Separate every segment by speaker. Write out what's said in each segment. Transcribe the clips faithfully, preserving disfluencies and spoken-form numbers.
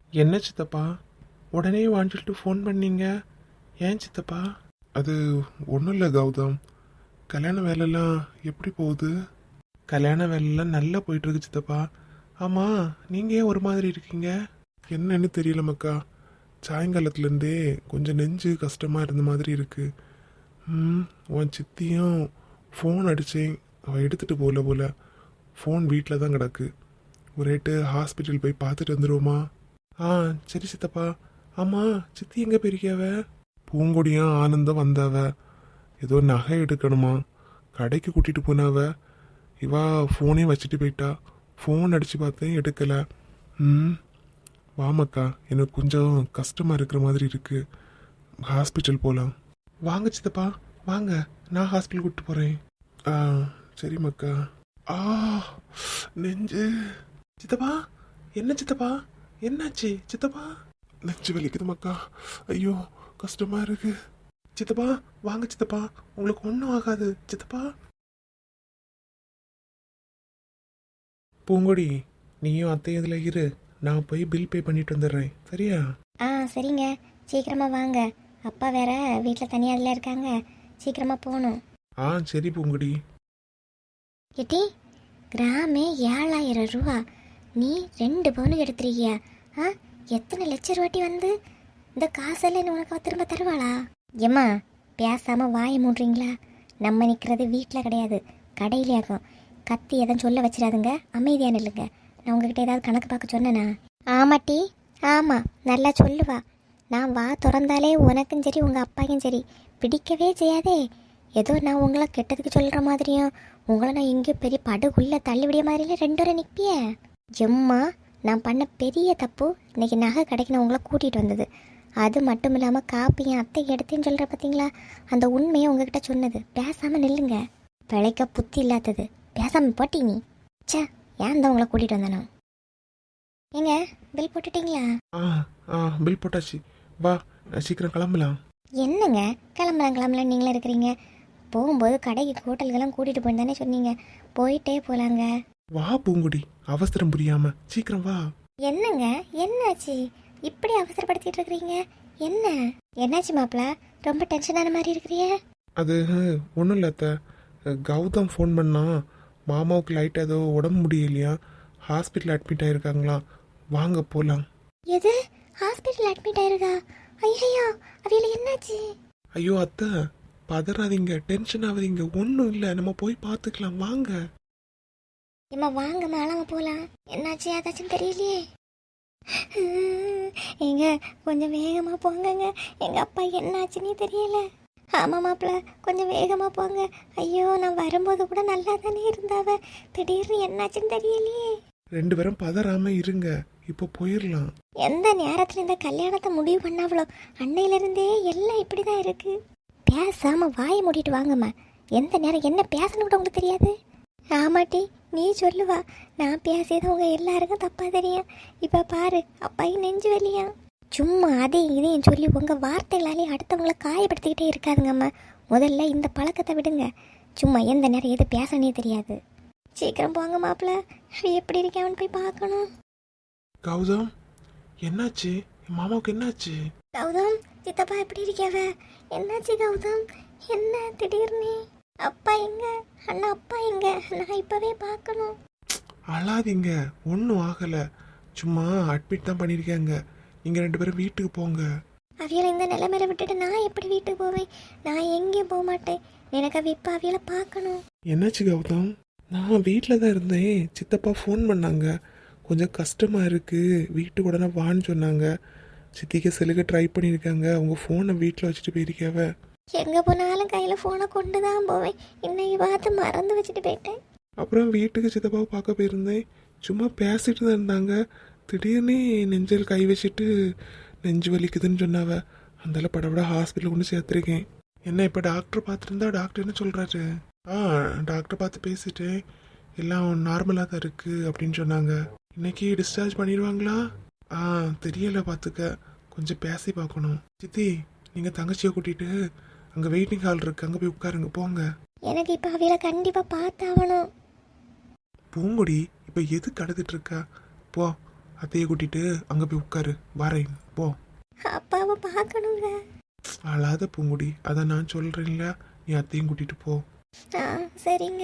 Speaker 1: என்ன சித்தப்பா உடனே வாங்கிட்டு ஃபோன் பண்ணீங்க? ஏன் சித்தப்பா? அது ஒன்றும் இல்லை கௌதம். கல்யாண வேலைலாம் எப்படி போகுது? கல்யாண வேலைலாம் நல்லா போயிட்டுருக்கு சித்தப்பா. ஆமாம், நீங்கள் ஏன் ஒரு மாதிரி இருக்கீங்க? என்னன்னு தெரியல மக்கா. சாயங்காலத்துலேருந்தே கொஞ்சம் நெஞ்சு கஷ்டமாக இருந்த மாதிரி இருக்கு. ம் உன் சித்தியும் ஃபோன் அடித்தேன், அவள் எடுத்துகிட்டு போகல போல. ஃபோன் வீட்டில் தான் கிடக்கு. ஒரு ரேட்டு ஹாஸ்பிட்டல் போய் பார்த்துட்டு வந்துடுவோமா? ஆ சரி சித்தப்பா. ஆமாம், சித்தி எங்கே போயிருக்கியாவ? பூங்கொடியும் ஆனந்தம் வந்தாவ. ஏதோ நகை எடுக்கணுமா, கடைக்கு கூட்டிகிட்டு போனாவ. இவா ஃபோனே வச்சுட்டு போயிட்டா. ஃபோன் அடித்து பார்த்தேன், எடுக்கலை. ம் வாமக்கா, எனக்கு கொஞ்சம் கஷ்டமாக இருக்கிற மாதிரி இருக்குது. ஹாஸ்பிட்டல் போகலாம். வாங்க சித்தப்பா வாங்க, நான் ஹாஸ்பிட்டல் கூப்பிட்டு போகிறேன். ஆ சரி மக்கா. ஆ நெஞ்சு. சித்தப்பா என்ன சித்தப்பா, என்னாச்சு சித்தப்பா? நெஞ்சு வலிக்குது மக்கா. ஐயோ கஷ்டமா இருக்கு. சித்தப்பா வாங்க சித்தப்பா, உங்களுக்கு ஒன்றும் ஆகாது சித்தப்பா. பூங்கொடி, நீயும் அத்தையும் இதில் இரு, நான் போய் பில் பே பண்ணிட்டு வந்துடுறேன், சரியா?
Speaker 2: ஆ சரிங்க, சீக்கிரமாக வாங்க. அப்பா வேற வீட்டில் தனியாக அதில் இருக்காங்க, சீக்கிரமாக போகணும்.
Speaker 1: ஆ சரி பூங்கொடி.
Speaker 2: கிட்டி, கிராமே ஏழாயிரம் ரூபா, நீ ரெண்டு பவுனுக்கு எடுத்துருக்கியா? ஆ எத்தனை லட்ச ரூபாட்டி வந்து இந்த காசெல்லாம் உனக்கு திரும்ப தருவாளா? ஏம்மா பேசாமல் வாயை மூடுறீங்களா? நம்ம நிற்கிறது வீட்டில் கிடையாது, கடையிலேயாக்கும். கத்தி எதுவும் சொல்ல வச்சிடாதுங்க, அமைதியான இல்லைங்க. நான் உங்ககிட்ட ஏதாவது கணக்கு பார்க்க சொன்னேனா? ஆமாட்டி, ஆமாம் நல்லா சொல்லுவா. நான் வா திறந்தாலே உனக்கும் சரி உங்கள் அப்பாக்கும் சரி பிடிக்கவே செய்யாதே. ஏதோ நான் உங்களை கெட்டதுக்கு சொல்கிற மாதிரியும் உங்களை நான் எங்கேயோ பெரிய படுகுள்ளே தள்ளிவிடிய மாதிரிலாம் ரெண்டு வரை நிற்பிய. எம்மா, நான் பண்ண பெரிய தப்பு இன்னைக்கு நகை கடைக்கு நான் உங்களை கூட்டிகிட்டு வந்தது. அது மட்டும் இல்லாமல் காப்பியும் அத்தைக்கு எடுத்தேன்னு சொல்கிற பார்த்தீங்களா, அந்த உண்மையை உங்ககிட்ட சொன்னது. பேசாமல் நில்லுங்க, பிழைக்க புத்தி இல்லாதது. பேசாமல் போட்டி நீ. சே, ஏன் தான் உங்களை கூட்டிகிட்டு வந்தேனோ. ஏங்க பில் போட்டுட்டீங்களா?
Speaker 1: ஆ ஆ பில் போட்டாச்சு. வா சீக்கிரம் கிளம்பலாம்.
Speaker 2: என்னங்க கிளம்பலாம் கிளம்பலாம் நீங்களே இருக்கிறீங்க? போகும்போது கடைக்கு ஹோட்டலுக்கெல்லாம் கூட்டிகிட்டு போயின்னு தானே சொன்னீங்க, போயிட்டே போகலாங்க.
Speaker 1: வா பூங்குடி, அவசரம் புரியாம சீக்கிரம் வா.
Speaker 2: என்னங்க என்னாச்சு இப்படி அவசரப்படுத்திட்டு இருக்கிறீங்க? என்ன என்னாச்சு மாப்பிள்ள, ரொம்ப டென்ஷனான மாதிரி இருக்கிறீங்க?
Speaker 1: அது ஒன்றும் இல்லை அத்தை. கௌதம் ஃபோன் பண்ணா, மாமாவுக்கு லைட்டாக ஏதோ உடம்பு முடியலையா, ஹாஸ்பிட்டல் அட்மிட் ஆயிருக்காங்களாம். வாங்க போகலாம்.
Speaker 2: எது, ஹாஸ்பிட்டல் அட்மிட் ஆயிருக்கா? ஐயோ, அவையில என்னாச்சு?
Speaker 1: ஐயோ அத்தை, பதறாதீங்க, டென்ஷன் ஆகாதீங்க, ஒன்றும் இல்லை, நம்ம போய் பார்த்துக்கலாம் வாங்க.
Speaker 2: இம்மா வாங்க மேலாம போகலாம். என்னாச்சு ஏதாச்சும் தெரியலையே. ஏங்க கொஞ்சம் வேகமாக போங்கங்க, எங்கள் அப்பா என்னாச்சுன்னே தெரியல. ஆமாம் மாப்பிள்ள, கொஞ்சம் வேகமாக போங்க. ஐயோ, நான் வரும்போது கூட நல்லா தானே இருந்தாவ, திடீர்னு என்னாச்சுன்னு தெரியலையே.
Speaker 1: ரெண்டு பேரும் பதறாம இருங்க, இப்போ போயிடலாம்.
Speaker 2: எந்த நேரத்தில் இந்த கல்யாணத்தை முடிவு பண்ணாவளோ அன்னையிலிருந்தே எல்லாம் இப்படி தான் இருக்கு. பேசாமல் வாயை மூடிட்டு வாங்கம்மா. எந்த நேரம் என்ன பேசணும் கூட உங்களுக்கு தெரியாது. ஆமாட்டி, நீ சொல்லுவா, நான் பேசியது உங்க எல்லாருக்கும் தப்பா தெரியும். இப்ப பாரு, அப்பாயும் நெஞ்சு வலியா. சும்மா அதையும் இதையும் சொல்லி உங்க வார்த்தைகளாலே அடுத்தவங்களை காயப்படுத்திக்கிட்டே இருக்காதுங்கம்மா. முதல்ல இந்த பழக்கத்தை விடுங்க. சும்மா எந்த நேரம் எது பேசனே தெரியாது. சீக்கிரம் போங்க மாப்பிள்ள, எப்படி இருக்கான்னு போய் பார்க்கணும்.
Speaker 1: கௌதம் என்னாச்சு? மாமாவுக்கு என்னாச்சு?
Speaker 2: கௌதம் சித்தப்பா எப்படி இருக்காவ? என்னாச்சு கௌதம், என்ன திடீர்னு? அப்பா எங்க? அண்ணா அப்பா எங்க? நான் இப்பவே பார்க்கணும்.
Speaker 1: அழாதீங்க, ஒன்றும் ஆகலை, சும்மா அட்மிட் தான் பண்ணியிருக்காங்க. நீங்கள் ரெண்டு பேரும் வீட்டுக்கு போங்க.
Speaker 2: அவியலை இந்த நிலைமையில விட்டுட்டு நான் எப்படி வீட்டுக்கு போவேன்? நான் எங்கேயும் போக மாட்டேன். எனக்கு அவ இப்போ அவியலை பார்க்கணும்.
Speaker 1: என்னாச்சு கௌதம்? நான் வீட்டில் தான் இருந்தேன், சித்தப்பா ஃபோன் பண்ணாங்க, கொஞ்சம் கஷ்டமாக இருக்குது, வீட்டுக்கு உடனே வான்னு சொன்னாங்க. சித்திக்கு செலுக்க ட்ரை பண்ணியிருக்காங்க, அவங்க ஃபோனை வீட்டில் வச்சுட்டு போயிருக்காவ.
Speaker 2: எங்கே போனாலும் கையில் ஃபோனை கொண்டு தான் போவேன். இன்னைக்கு பார்த்து மறந்து வச்சுட்டு போயிட்டேன்.
Speaker 1: அப்புறம் வீட்டுக்கு சித்தப்பாவை பார்க்க போயிருந்தேன், சும்மா பேசிட்டு தான் இருந்தாங்க. திடீர்னு நெஞ்சில் கை வச்சுட்டு நெஞ்சு வலிக்குதுன்னு சொன்னாவ. அந்தால படப்பட ஹாஸ்பிட்டல் கொண்டு சேர்த்துருக்கேன். என்ன இப்போ டாக்டர் பார்த்துருந்தா டாக்டர் என்ன சொல்கிறாரு? ஆ டாக்டர் பார்த்து பேசிட்டு எல்லாம் நார்மலாக தான் இருக்குது அப்படின்னு சொன்னாங்க. இன்னைக்கு டிஸ்சார்ஜ் பண்ணிடுவாங்களா? ஆ தெரியலை, பார்த்துக்க, கொஞ்சம் பேசி பார்க்கணும். சித்தி, நீங்கள் தங்கச்சியை கூட்டிகிட்டு அங்கே வெயிட்டிங் ஹால் இருக்கு, அங்கே போய் உட்காருங்க, போங்க.
Speaker 2: எனக்கு இப்போ அவியலை கண்டிப்பாக பார்த்தாகணும்.
Speaker 1: பூங்குடி இப்போ எது கடத்திட்டு இருக்கா? போ, அத்தையை கூட்டிட்டு அங்கே போய் உட்காரு. வரேன் போ.
Speaker 2: அப்பாவை பார்க்கணுங்க.
Speaker 1: அழாத பூங்குடி, அதை நான் சொல்கிறேன்ல, நீ அத்தையும் கூட்டிட்டு போ.
Speaker 2: ஆ சரிங்க.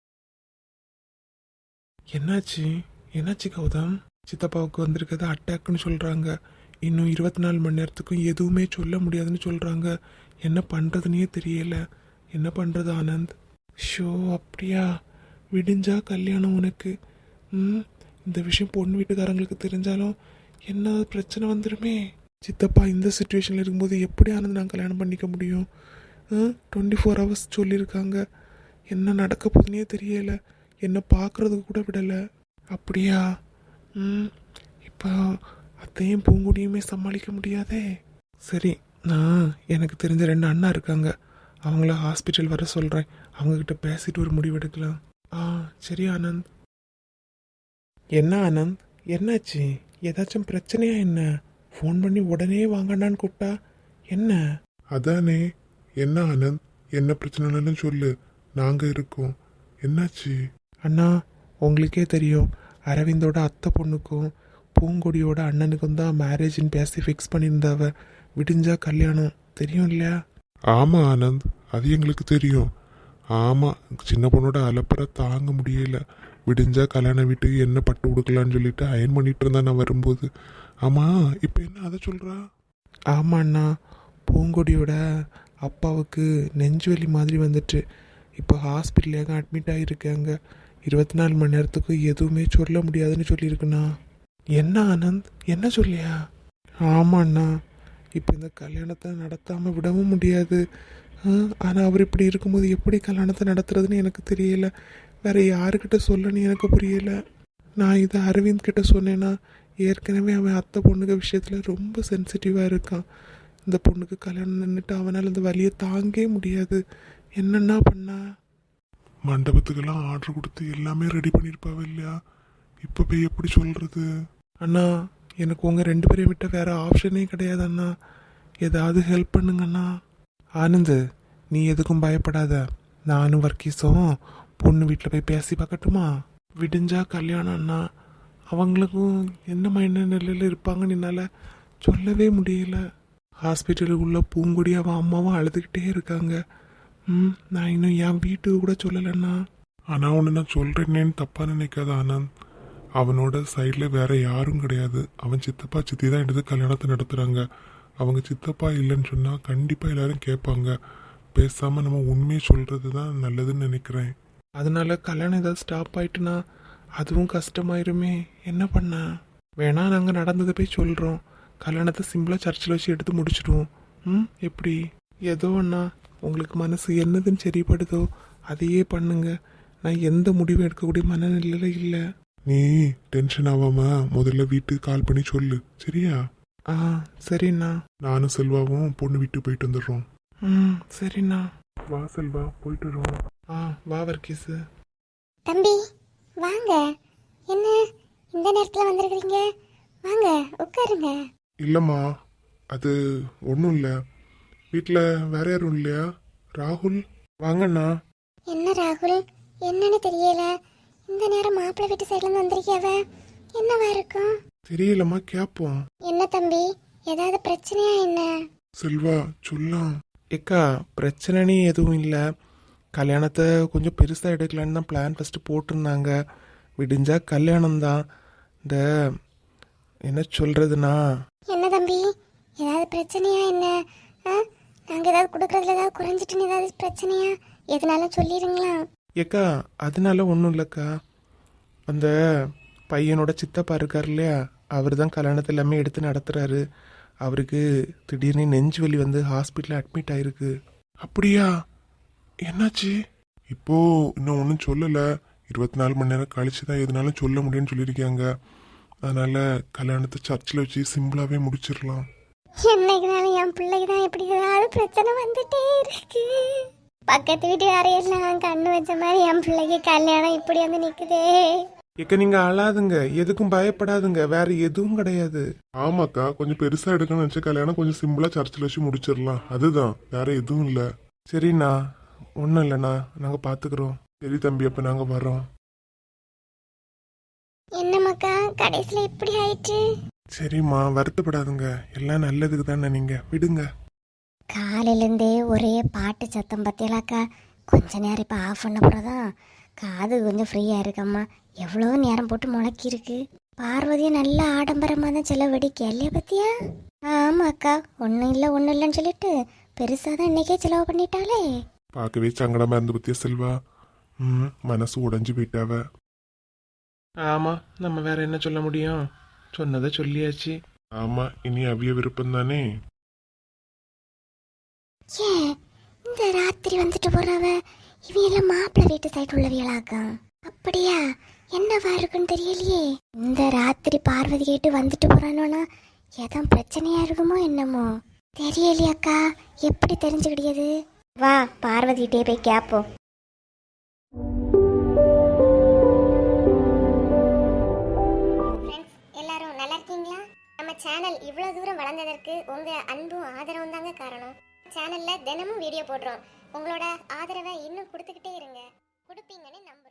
Speaker 1: என்னாச்சு என்னாச்சு கௌதம்? சித்தப்பாவுக்கு வந்திருக்கிறது அட்டாக்னு சொல்கிறாங்க. இன்னும் இருபத்தி நாலு மணி நேரத்துக்கும் எதுவுமே சொல்ல முடியாதுன்னு சொல்கிறாங்க. என்ன பண்ணுறதுனே தெரியல. என்ன பண்ணுறது ஆனந்த்? ஷோ அப்படியா? விடிஞ்சா கல்யாணம் உனக்கு. ம் இந்த விஷயம் பொண்ணு வீட்டுக்காரங்களுக்கு தெரிஞ்சாலும் என்ன பிரச்சனை வந்துடுமே. சித்தப்பா இந்த சுச்சுவேஷனில் இருக்கும்போது எப்படி ஆனந்த் நான் கல்யாணம் பண்ணிக்க முடியும்? டுவெண்ட்டி ஃபோர் ஹவர்ஸ் சொல்லியிருக்காங்க. என்ன நடக்க போகுதுன்னே தெரியலை. என்னை பார்க்குறதுக்கு கூட விடலை. அப்படியா? ம் இப்போ அத்தையும் பூங்குடியுமே சமாளிக்க முடியாதே. சரி, நான் எனக்கு தெரிஞ்ச ரெண்டு அண்ணா இருக்காங்க, அவங்கள ஹாஸ்பிட்டல் வர சொல்கிறேன். அவங்கக்கிட்ட பேசிட்டு ஒரு முடிவு எடுக்கலாம். ஆ சரி ஆனந்த். என்ன ஆனந்த், என்னாச்சு? ஏதாச்சும் பிரச்சனையா என்ன? ஃபோன் பண்ணி உடனே வாங்கண்ணான்னு கூப்பிட்டா என்ன? அதானே. என்ன ஆனந்த், என்ன பிரச்சனைன்னு சொல்லு, நாங்கள் இருக்கோம். என்னாச்சு? அண்ணா, உங்களுக்கே தெரியும், அரவிந்தோட அத்தை பொண்ணுக்கும் பூங்கொடியோட அண்ணனுக்கும் தான் மேரேஜின்னு பேசி ஃபிக்ஸ் பண்ணியிருந்தாவ. விடிஞ்சா கல்யாணம், தெரியும் இல்லையா? ஆமாம் ஆனந்த், அது எங்களுக்கு தெரியும். ஆமாம், சின்ன பொண்ணோட அலப்பறை தாங்க முடியல. விடிஞ்சா கல்யாண வீட்டுக்கு என்ன பட்டு கொடுக்கலான்னு சொல்லிட்டு அயன் பண்ணிட்டு இருந்தா நான் வரும்போது. ஆமாம், இப்போ என்ன அதை சொல்கிறா? ஆமாண்ணா, பூங்கொடியோட அப்பாவுக்கு நெஞ்சு வலி மாதிரி வந்துட்டு இப்போ ஹாஸ்பிட்டலுக்கு அட்மிட் ஆகியிருக்காங்க. இருபத்தி நாலு மணி நேரத்துக்கு எதுவுமே சொல்ல முடியாதுன்னு சொல்லியிருக்குண்ணா. என்ன ஆனந்த், என்ன சொல்லியா? ஆமாண்ணா, இப்போ இந்த கல்யாணத்தை நடத்தாமல் விடவும் முடியாது. ஆனால் அவர் இப்படி இருக்கும்போது எப்படி கல்யாணத்தை நடத்துறதுன்னு எனக்கு தெரியல. வேற யாருக்கிட்ட சொல்லணும்னு எனக்கு புரியல. நான் இதை அரவிந்த் கிட்ட சொன்னேன்னா ஏற்கனவே அவன் அத்தை பொண்ணுங்க விஷயத்தில் ரொம்ப சென்சிட்டிவாக இருக்கான். இந்த பொண்ணுக்கு கல்யாணம் நின்றுட்டு அவனால் அந்த வலியை தாங்கவே முடியாது. என்னென்னா பண்ணா? மண்டபத்துக்கெல்லாம் ஆர்டர் கொடுத்து எல்லாமே ரெடி பண்ணியிருப்பாவ இல்லையா? இப்போ போய் எப்படி சொல்கிறது? அண்ணா, எனக்கு உங்கள் ரெண்டு பேரையும் விட்ட வேற ஆப்ஷனே கிடையாது அண்ணா. ஏதாவது ஹெல்ப் பண்ணுங்கண்ணா. ஆனந்த், நீ எதுக்கும் பயப்படாத. நானும் வர்க்கீஸும் பொண்ணு வீட்டில் போய் பேசி பார்க்கட்டுமா? விடிஞ்சா கல்யாணம் அண்ணா. அவங்களுக்கும் என்ன மைண்ட் நிலையில் இருப்பாங்கன்னு என்னால் சொல்லவே முடியல. ஹாஸ்பிட்டலுக்கு உள்ள பூங்குடி அவன் அம்மாவும் அழுதுகிட்டே இருக்காங்க. ம் நான் இன்னும் என் வீட்டுக்கு கூட சொல்லலைண்ணா. ஆனால் ஒன்று நான் சொல்கிறேன்னேன்னு தப்பாக நினைக்காத ஆனந்த். அவனோட சைடில் வேற யாரும் கிடையாது. அவன் சித்தப்பா சித்தி தான் எடுத்து கல்யாணத்தை நடத்துகிறாங்க. அவங்க சித்தப்பா இல்லைன்னு சொன்னால் கண்டிப்பாக எல்லாரும் கேட்பாங்க. பேசாமல் நம்ம உண்மையை சொல்கிறது தான் நல்லதுன்னு நினைக்கிறேன். அதனால கல்யாணம் ஏதாவது ஸ்டாப் ஆயிட்டுனா அதுவும் கஷ்டமாயிருமே. என்ன பண்ண? வேணா நாங்கள் நடந்ததை போய் சொல்கிறோம். கல்யாணத்தை சிம்பிளாக சர்ச்சில் வச்சு எடுத்து முடிச்சிடுவோம். ம் எப்படி? ஏதோ அண்ணா, உங்களுக்கு மனசு என்னதுன்னு சரிப்படுதோ அதையே பண்ணுங்க. நான் எந்த முடிவும் எடுக்கக்கூடிய மனநிலையில இல்லை. நீ டென்ஷன் ஆகாம முதல்ல வீட்டுக்கு கால் பண்ணி சொல்லு, சரியா? ஆ சரிண்ணா. நானும் செல்வாவும் பொண்ணு வீட்டுக்கு போயிட்டு வந்துடுறோம். ம் சரிண்ணா. வா செல்வா, போயிட்டு வரோம். ஆ வா வர்க்கீஸு.
Speaker 2: தம்பி வாங்க. என்ன இந்த நேரத்தில் வந்திருக்கிறீங்க? வாங்க உட்காருங்க.
Speaker 1: இல்லைம்மா, அது ஒன்றும் இல்லை. வீட்டில் வேற யாரும் இல்லையா? ராகுல் வாங்கண்ணா.
Speaker 2: என்ன ராகுல், என்னன்னு தெரியல. இந்த நேரம் மாப்பிள்ளை வீட்டு சைட்லேருந்து வந்திருக்கியாவ. என்னவா இருக்கும்?
Speaker 1: தெரியலம்மா, கேட்போம்.
Speaker 2: என்ன தம்பி, ஏதாவது பிரச்சனையா என்ன?
Speaker 1: செல்வா சொல்லலாம். ஏக்கா, பிரச்சனைன்னு எதுவும் இல்லை. கல்யாணத்தை கொஞ்சம் பெருசாக எடுக்கலான்னு தான் பிளான் ஃபஸ்ட்டு போட்டிருந்தாங்க. விடிஞ்சா கல்யாணம் தான். இந்த என்ன சொல்கிறதுனா.
Speaker 2: என்ன தம்பி, ஏதாவது பிரச்சனையா என்ன? ஆ நாங்கள் ஏதாவது கொடுக்குறதுல ஏதாவது குறைஞ்சிட்டுன்னு ஏதாவது பிரச்சனையா? எதுனாலும் சொல்லிடுங்களா?
Speaker 1: ஏக்கா, அதனால ஒன்றும் இல்லைக்கா. அந்த பையனோட சித்தப்பா இருக்கார் இல்லையா, அவர் தான் கல்யாணத்தை எல்லாமே எடுத்து நடத்துகிறாரு. அவருக்கு திடீர்னு நெஞ்சு வலி வந்து ஹாஸ்பிட்டலில் அட்மிட் ஆயிருக்கு. அப்படியா? என்னாச்சு? இப்போ இன்னும் ஒன்றும் சொல்லலை. இருபத்தி நாலு மணி நேரம் கழிச்சு தான் எதுனாலும் சொல்ல முடியும்னு சொல்லியிருக்காங்க. அதனால கல்யாணத்தை சர்ச்சில் வச்சு சிம்பிளாகவே முடிச்சிடலாம்.
Speaker 2: என்னைக்குனாலும் என் பிள்ளைக்கு தான் எப்படி ஏதாவது பிரச்சனை வந்துட்டே இருக்கு. பக்கத்து வீட்டு யாரையெல்லாம் கண்ணு வச்ச மாதிரி என் பிள்ளைக்கு கல்யாணம் இப்படி வந்து நிக்குதே.
Speaker 1: ஏக்க, நீங்க அழாதுங்க, எதுக்கும் பயப்படாதுங்க, வேற எதுவும் கிடையாது. ஆமாக்கா, கொஞ்சம் பெருசா எடுக்கணும்னு நினைச்ச கல்யாணம் கொஞ்சம் சிம்பிளா சர்ச்சில் வச்சு முடிச்சிடலாம். அதுதான், வேற எதுவும் இல்லை. சரிண்ணா, ஒன்றும் இல்லைண்ணா, நாங்கள் பார்த்துக்குறோம். சரி தம்பி, அப்போ நாங்கள் வரோம்.
Speaker 2: என்னம்மாக்கா கடைசியில் இப்படி ஆயிட்டு?
Speaker 1: சரிம்மா வருத்தப்படாதுங்க, எல்லாம் நல்லதுக்கு தானே, நீங்க விடுங்க.
Speaker 2: காலையிலேருந்தே ஒரே பாட்டு சத்தம் பத்தியலாக்கா. கொஞ்ச நேரம் இப்போ ஆஃப் பண்ண போகிறதான் காது கொஞ்சம் ஃப்ரீயாக இருக்கம்மா. எவ்வளோ நேரம் போட்டு முளக்கி இருக்கு. பார்வதியும் நல்ல ஆடம்பரமாக தான் செலவழிக்க இல்லையா பத்தியா? ஆமாக்கா, ஒன்றும் இல்லை ஒன்றும் இல்லைன்னு சொல்லிட்டு பெருசாக தான் இன்னைக்கே செலவு பண்ணிட்டாலே.
Speaker 1: பார்க்கவே சங்கடமா இருந்து பத்தியா செல்வா. ம் மனசு உடைஞ்சு போயிட்டாவ. ஆமா, நம்ம வேற என்ன சொல்ல முடியும், சொன்னதை சொல்லியாச்சு. ஆமா, இனி அவிய விருப்பம் தானே.
Speaker 2: ஏன் இந்த ராத்திரி வந்துட்டு போறவ இவையெல்லாம் மாப்பிள்ளை வீட்டு சைடு உள்ளவியலாக்கா? அப்படியா? என்னவா இருக்குன்னு தெரியலையே. இந்த ராத்திரி பார்வதி கேட்டு வந்துட்டு போறானோன்னா எதுவும் பிரச்சனையா இருக்குமோ என்னமோ தெரியலையாக்கா. எப்படி தெரிஞ்சுக்கிடியது? வா பார்வதிகிட்டே போய் கேப்போம். எல்லாரும் நல்லா இருக்கீங்களா? நம்ம சேனல் இவ்வளவு தூரம் வளர்ந்ததற்கு உங்க அன்பும் ஆதரவும் தாங்க காரணம். சேனல்ல தினமும் வீடியோ போடுறோம். உங்களோட ஆதரவை இன்னும் கொடுத்துக்கிட்டே இருங்க. கொடுப்பீங்கன்னு நம்புறோம்.